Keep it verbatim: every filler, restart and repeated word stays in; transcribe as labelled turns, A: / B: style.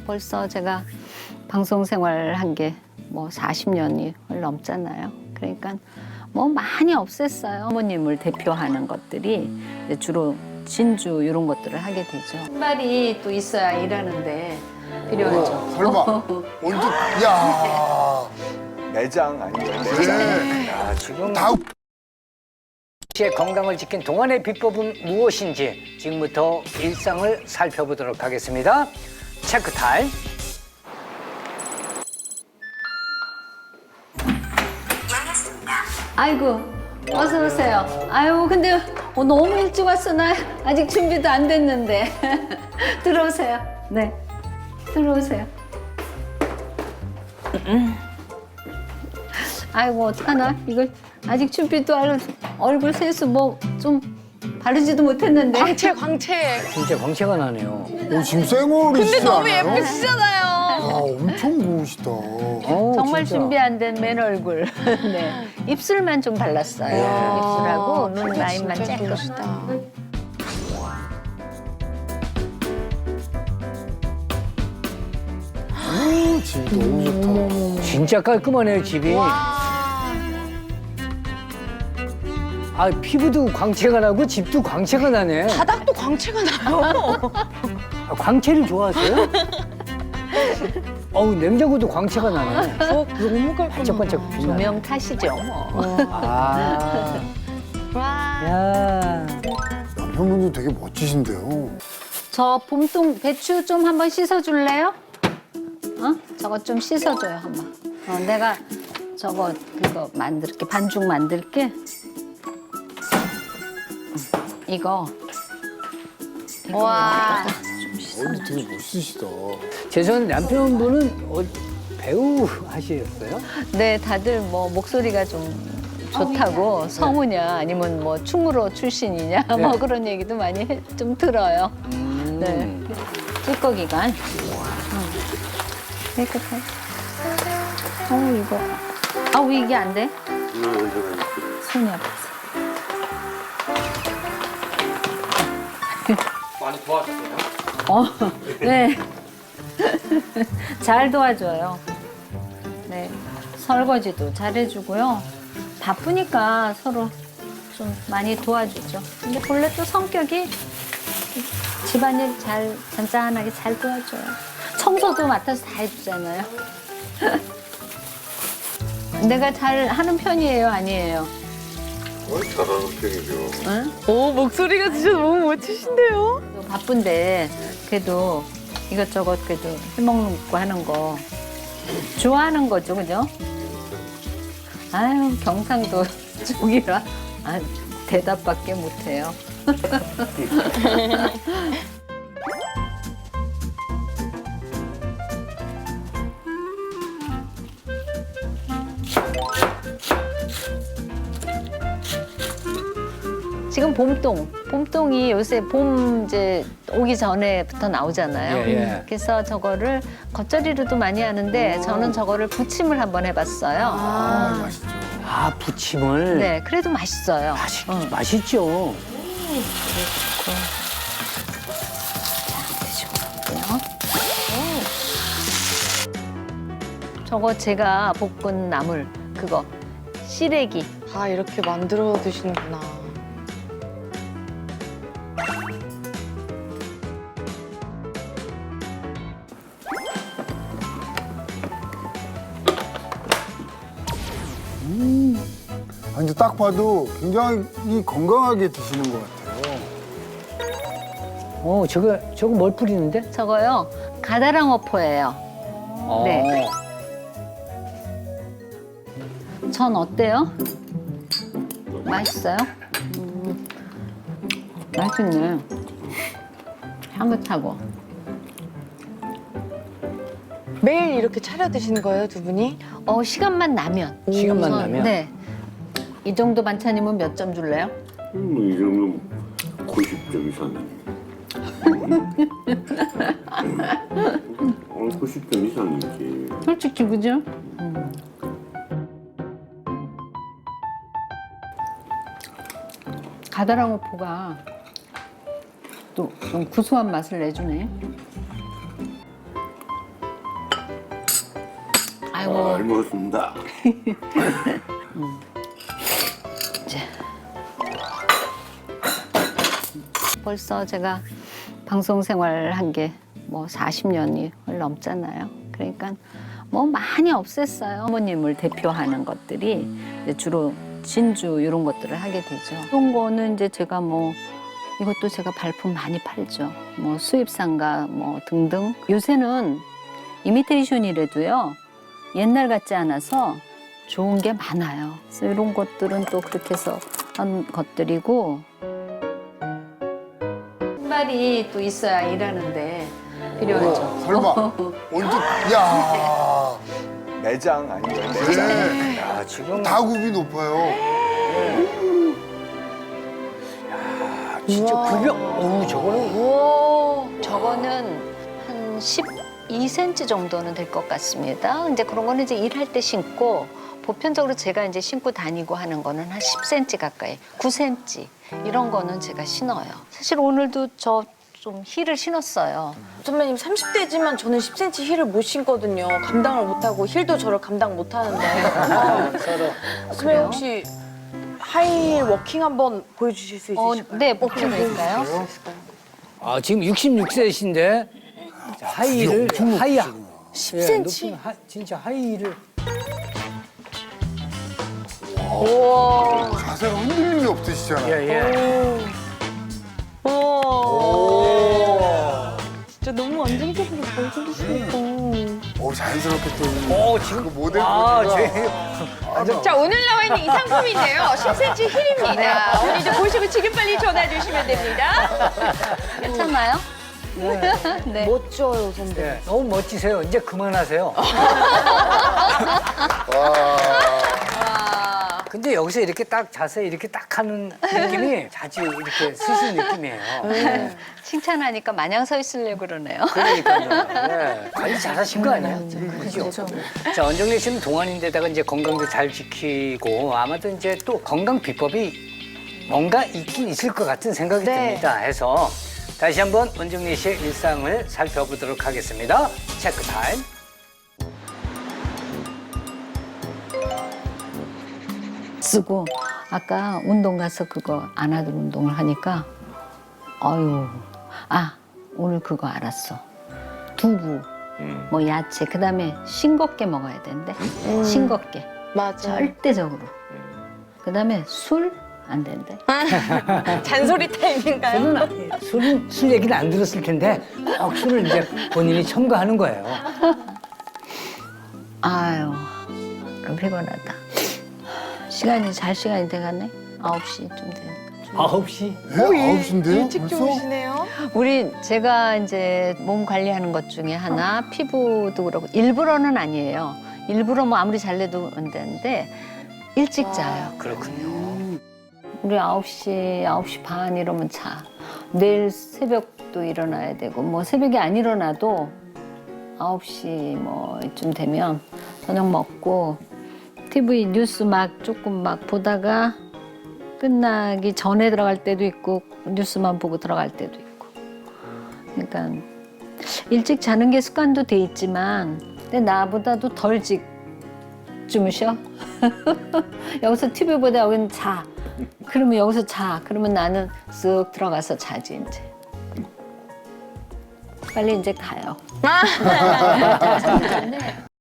A: 벌써 제가 방송 생활 한 게 뭐 사십 년이 넘잖아요. 그러니까 뭐 많이 없앴어요. 어머님을 대표하는 것들이 이제 주로 진주 이런 것들을 하게 되죠. 신발이 또 있어야 일하는데 필요하죠.
B: 설마 언제? 야.
C: 매장 아니에요?
B: 네.
D: 아, 지금
B: 다
D: 씨의 건강을 지킨 동안의 비법은 무엇인지 지금부터 일상을 살펴보도록 하겠습니다. 체크 타임.
A: 아이고 어서 오세요. 아유 근데 어, 너무 일찍 왔어. 나 아직 준비도 안 됐는데. 들어오세요. 네 들어오세요. 아이고 어떡하나 이걸 아직 준비도 안 얼굴 세수 뭐 좀 바르지도 못했는데.
E: 광채 광채.
D: 진짜 광채가 나네요.
B: 오, 지금 쌩얼이시지
E: 근데 너무
B: 않아요?
E: 예쁘시잖아요.
B: 야, 엄청 고우시다.
D: 어,
A: 정말
D: 진짜.
A: 준비 안 된 맨 얼굴. 네. 입술만 좀 발랐어요. 입술하고 눈 라인만
E: 진짜
A: 조금.
E: 예쁘시다.
B: 오, 집 너무 좋다.
D: 진짜 깔끔하네요, 집이. 아, 피부도 광채가 나고 집도 광채가 나네.
E: 바닥도 광채가 나요.
D: 아, 광채를 좋아하세요? 어우, 냉장고도 광채가 나네.
E: 어, 너무 깔끔하다.
D: 반짝반짝 빛나네.
A: 조명 탓이죠 뭐.
D: 아,
E: 와.
D: 야.
B: 남편분도 되게 멋지신데요.
A: 저 봄동 배추 좀 한번 씻어줄래요? 어? 저거 좀 씻어줘요 한번. 어, 내가 저거 그거 만들게 반죽 만들게. 이거. 이거
E: 와.
B: 어, 되게 멋있으시다.
D: 죄송한 남편분은 어, 배우 하시겠어요?
A: 네, 다들 뭐 목소리가 좀 좋다고 성우냐 아니면 뭐 춤으로 출신이냐
D: 네.
A: 뭐 그런 얘기도 많이 해- 좀 들어요.
D: 음.
A: 네, 찌꺼기가. 응. 깨끗해. 어 이거. 아우 이게 안 돼? 손이 아파서.
F: 많이 도와주세요.
A: 어, 네. 잘 도와줘요. 네. 설거지도 잘해주고요. 바쁘니까 서로 좀 많이 도와주죠. 근데 본래 또 성격이 집안일 잘, 잔잔하게 잘 도와줘요. 청소도 맡아서 다 해주잖아요. 내가 잘 하는 편이에요, 아니에요?
B: 잘하는 편이죠.
A: 응?
E: 오, 목소리가 진짜 너무 멋지신데요?
A: 바쁜데 그래도 이것저것 그래도 해먹는 거 하는 거 좋아하는 거죠, 그죠? 아유 경상도 쪽이라 아, 대답밖에 못해요. 지금 봄동, 봄동이 요새 봄 이제 오기 전에부터 나오잖아요.
D: 예, 예.
A: 그래서 저거를 겉절이로도 많이 하는데 저는 저거를 부침을 한번 해봤어요.
B: 아, 맛있죠.
D: 아, 부침을.
A: 네, 그래도 맛있어요.
D: 맛있,
A: 응.
D: 맛있죠.
A: 드셔볼게요. 저거 제가 볶은 나물 그거 시래기.
E: 아, 이렇게 만들어 드시는구나.
B: 아, 근데 딱 봐도 굉장히 건강하게 드시는 것 같아요.
D: 어, 저거, 저거 뭘 뿌리는데?
A: 저거요 가다랑어포예요.
D: 어.
A: 네. 전 어때요? 맛있어요? 음, 맛있네. 향긋하고.
E: 매일 이렇게 차려 드시는 거예요, 두 분이?
A: 어 시간만 나면.
D: 시간만
A: 우선,
D: 나면?
A: 네. 이 정도 반찬이면 몇 점 줄래요?
G: 음, 이 정도면 구십 점 이상이네. 어, 구십 점 이상이지.
A: 솔직히 그죠? 가다랑어포가 또 좀 구수한 맛을 내주네. 아이고.
G: 잘 먹었습니다.
A: 이제 벌써 제가 방송 생활 한 게 뭐 사십 년이 넘잖아요. 그러니까 뭐 많이 없앴어요. 어머님을 대표하는 것들이 이제 주로 진주 이런 것들을 하게 되죠. 그런 거는 이제 제가 뭐 이것도 제가 발품 많이 팔죠. 뭐 수입상가 뭐 등등. 요새는 이미테이션이라도요. 옛날 같지 않아서 좋은 게 많아요. 그래서 이런 것들은 또 그렇게 해서 한 것들이고 신발이 또 있어야 일하는데 필요하죠.
B: 설마 언제? 야,
C: 매장 아니면 매장.
B: 네.
D: 야, 지금
B: 다굽이 높아요.
D: 진짜 구경. 어우, 저거는.
E: 우와.
A: 저거는 한 십이 센티미터 정도는 될 것 같습니다. 이제 그런 거는 이제 일할 때 신고 보편적으로 제가 이제 신고 다니고 하는 거는 한 십 센티미터 가까이, 구 센티미터 이런 거는 제가 신어요. 사실 오늘도 저 좀 힐을 신었어요.
E: 선배님 삼십 대지만 저는 십 센티미터 힐을 못 신거든요. 감당을 못하고 힐도 저를 감당 못하는데. 어,
D: 서로.
E: 선배님 혹시 하이힐 워킹 한번 보여주실 수
A: 어,
E: 있으실까요?
A: 네, 보여드릴까요?
D: 아, 지금 육십육 세이신데 하이힐을 하이야.
E: 십
D: 예,
E: 센티미터.
D: 높은 하, 진짜 하이힐을.
E: 우와.
B: 자세가 흔들림이 없으시잖아요.
D: 예, 예.
E: 우와. 진짜 너무 안정적으로 잘 그리시니까.
B: 어, 자연스럽게 또.
D: 어, 지금
B: 그 모델
D: 아,
B: 분들과
D: 제
F: 자, 오늘 나와 있는 이 상품인데요. 십 센티미터 힐입니다. 오늘도 보시고 지금 빨리 전화 주시면 됩니다.
A: 괜찮나요? 네.
E: 멋져요, 선배.
D: 예, 너무 멋지세요. 이제 그만하세요.
B: 와.
D: 근데 여기서 이렇게 딱 자세 이렇게 딱 하는 느낌이 자주 이렇게 쓰시는 느낌이에요.
A: 칭찬하니까 마냥 서 있으려고 그러네요.
D: 그러니까요. 네. 관리 잘하신 거 아니에요? 그죠? 자, 원정래 씨는 동안인데다가 이제 건강도 잘 지키고 아마도 이제 또 건강 비법이 뭔가 있긴 있을 것 같은 생각이
E: 네.
D: 듭니다. 해서 다시 한번 원정래 씨의 일상을 살펴보도록 하겠습니다. 체크 타임.
A: 쓰고 아까 운동 가서 그거 안아들 운동을 하니까 아유 아 오늘 그거 알았어 두부 뭐 야채 그다음에 싱겁게 먹어야 되는데 싱겁게
E: 맞아.
A: 절대적으로 그다음에 술 안 된대.
E: 잔소리 타임인가요?
D: 저는 아- 술은, 술 얘기는 안 들었을 텐데 꼭 술을 이제 본인이 첨가하는 거예요.
A: 아유 그럼 피곤하다. 시간이 잘 시간이 돼가네. 아홉 시쯤 되니까.
D: 아홉 시.
B: 네? 아홉 시인데요?
E: 일찍
B: 벌써?
E: 주무시네요.
A: 우리 제가 이제 몸 관리하는 것 중에 하나 피부도 그렇고 일부러는 아니에요. 일부러 뭐 아무리 잘래도 안 되는데 일찍 자요.
D: 그렇군요.
A: 우리 아홉 시, 아홉 시 반 이러면 자. 내일 새벽도 일어나야 되고 뭐 새벽에 안 일어나도 아홉 시 뭐 이쯤 되면 저녁 먹고 티비 뉴스 막 조금 막 보다가 끝나기 전에 들어갈 때도 있고 뉴스만 보고 들어갈 때도 있고. 그러니까 일찍 자는 게 습관도 돼 있지만 근데 나보다도 덜 직 주무셔. 여기서 티비 보다 여기는 자. 그러면 여기서 자. 그러면 나는 쓱 들어가서 자지 이제. 빨리 이제 가요.